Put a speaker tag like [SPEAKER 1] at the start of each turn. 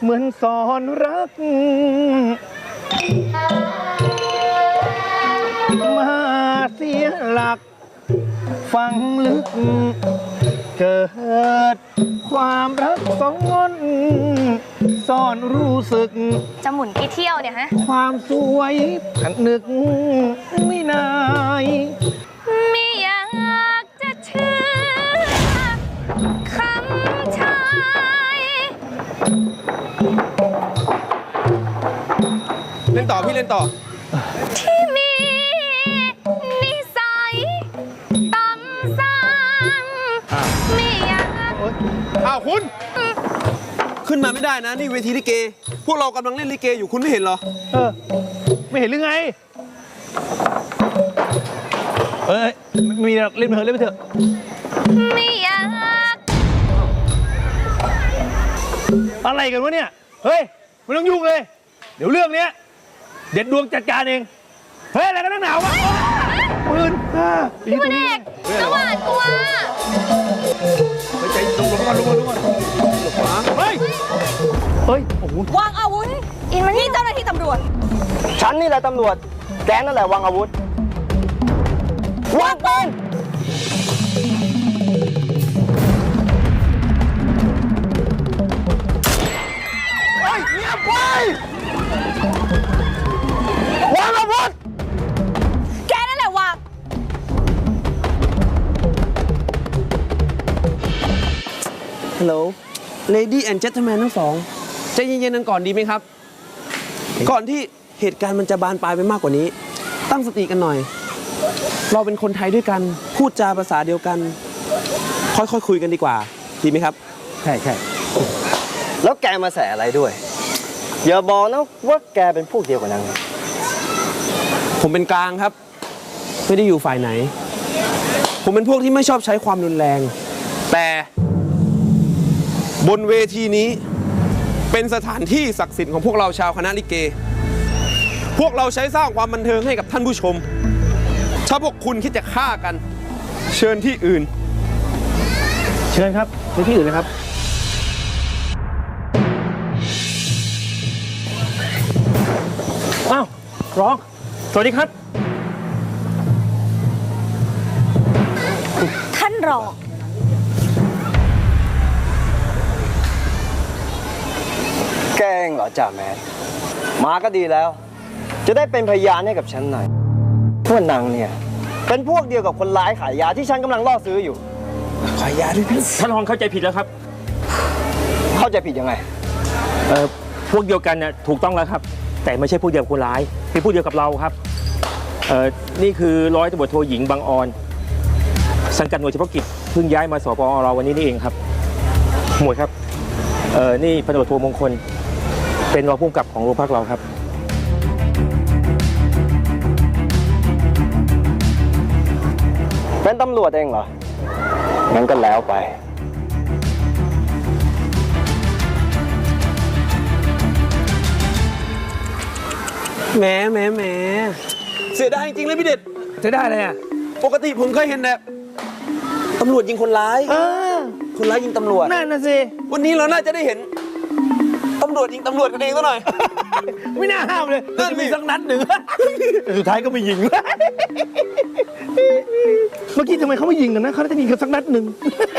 [SPEAKER 1] มือนสอนรักมาเสียหลักฝังลึกเกิดความรักซ้อนซ่อนรู้สึก
[SPEAKER 2] จะหมุนกี่เที่ยวเนี่ยฮะ
[SPEAKER 1] ความสวยขันนึกไม่นาย
[SPEAKER 2] ไม่อยากจะเชื่อคำชาย
[SPEAKER 3] เล่นต่อพี่เล่นต่อ
[SPEAKER 2] ที่มีนิสัยต่ำซ้ำไม่อยาก
[SPEAKER 3] อ้าวคุณขึ้นมาไม่ได้นะนี่เวทีลิเกพวกเรากำลังเล่นลิเกอยู่คุณไม่เห็นเหรอ
[SPEAKER 1] ไม่เห็นหรือไงไม่มีเล่นไปเถอะเล่นไปเถอะ
[SPEAKER 2] ไม่อยาก
[SPEAKER 1] อะไรกันวะเนี่ยเฮ้ยไม่ต้องยุ่งเลยเดี๋ยวเรื่องเนี้ยเด็ดดวงจัดการเองเฮ้ยอะไรกันนักหนาวะปืน
[SPEAKER 2] พี่วันเอกสวัสดิ์ตัว
[SPEAKER 1] ใจลงก่อนลงก่อนเฮ้ยโอ้โห
[SPEAKER 2] วางอาวุธอินมันนี่เจ้าหน้าที่ตำรวจ
[SPEAKER 4] ฉันนี่แหละตำรวจแกนั่นแหละวางอาวุธวางปืนเฮ้ยเงียบไว้วางอาวุธ
[SPEAKER 2] แกนั่นแหละวาง
[SPEAKER 3] ฮัลโหล Lady and Gentleman ทั้งสองใจเย็นๆกันก่อนดีไหมครับก่อนที่เหตุการณ์มันจะบานปลายไปมากกว่านี้ตั้งสติกันหน่อยเราเป็นคนไทยด้วยกันพูดจาภาษาเดียวกันค่อยๆคุยกันดีกว่าดีไหมครับ
[SPEAKER 1] ใช่
[SPEAKER 4] แล้วแกมาแสอะไรด้วยอย่าบอกนะว่าแกเป็นพวกเดียวกับนาง
[SPEAKER 3] ผมเป็นกลางครับไม่ได้อยู่ฝ่ายไหนผมเป็นพวกที่ไม่ชอบใช้ความรุนแรงแต่บนเวทีนี้เป็นสถานที่ศักดิ์สิทธิ์ของพวกเราชาวคณะลิเกพวกเราใช้สร้างความบันเทิงให้กับท่านผู้ชมถ้าพวกคุณคิดจะฆ่ากันเชิญที่อื่น
[SPEAKER 1] เชิญครับไปที่อื่นเลยครับอ้าวร้องสวัสดีครับ
[SPEAKER 2] ท่านรอง
[SPEAKER 4] แกเองเหรอจ่าแมนมาก็ดีแล้วจะได้เป็นพยานให้กับฉันหน่อยว่านางเนี่ยเป็นพวกเดียวกับคนร้ายขายยาที่ฉันกำลังล่อซื้ออยู่
[SPEAKER 3] ขายยาด้วยพี่
[SPEAKER 1] ท่านรองเข้าใจผิดแล้วครับ
[SPEAKER 4] เข้าใจผิดยังไง
[SPEAKER 1] พวกเดียวกันน่ะถูกต้องแล้วครับแต่ไม่ใช่พวกเดียวกับคนร้ายเป็นพวกเดียวกับเราครับนี่คือร้อยตำรวจโทหญิงบางออนสังกัดหน่วยเฉพาะกิจเพิ่งย้ายมาสปอเราวันนี้นี่เองครับหมวดครับนี่พันตำรวจโทมงคลเป็นรองผู้กำกับของโรงพักเราครับ
[SPEAKER 4] เป็นตำรวจเองเหรองั้นก็แล้วไป
[SPEAKER 3] แหมเสียดายจริงๆเลยพี่เด็ด
[SPEAKER 1] จะได้เลยอ่ะ
[SPEAKER 3] ปกติผมเคยเห็นแบบตำรวจยิงคนร้ายคนร้ายยิงตำรวจ
[SPEAKER 1] นั่นน่ะสิ
[SPEAKER 3] วันนี้เราน่าจะได้เห็นตำรวจยิงตำรวจกันเองซะหน่อย
[SPEAKER 1] ไม่น่าห้ามเลยจะมีสักนัดหนึ่งสุดท้ายก็ไม่ยิงเมื่อกี้ทำไมเขาไม่ยิงกันนะเขาจะยิงกันสักนัดหนึ่ง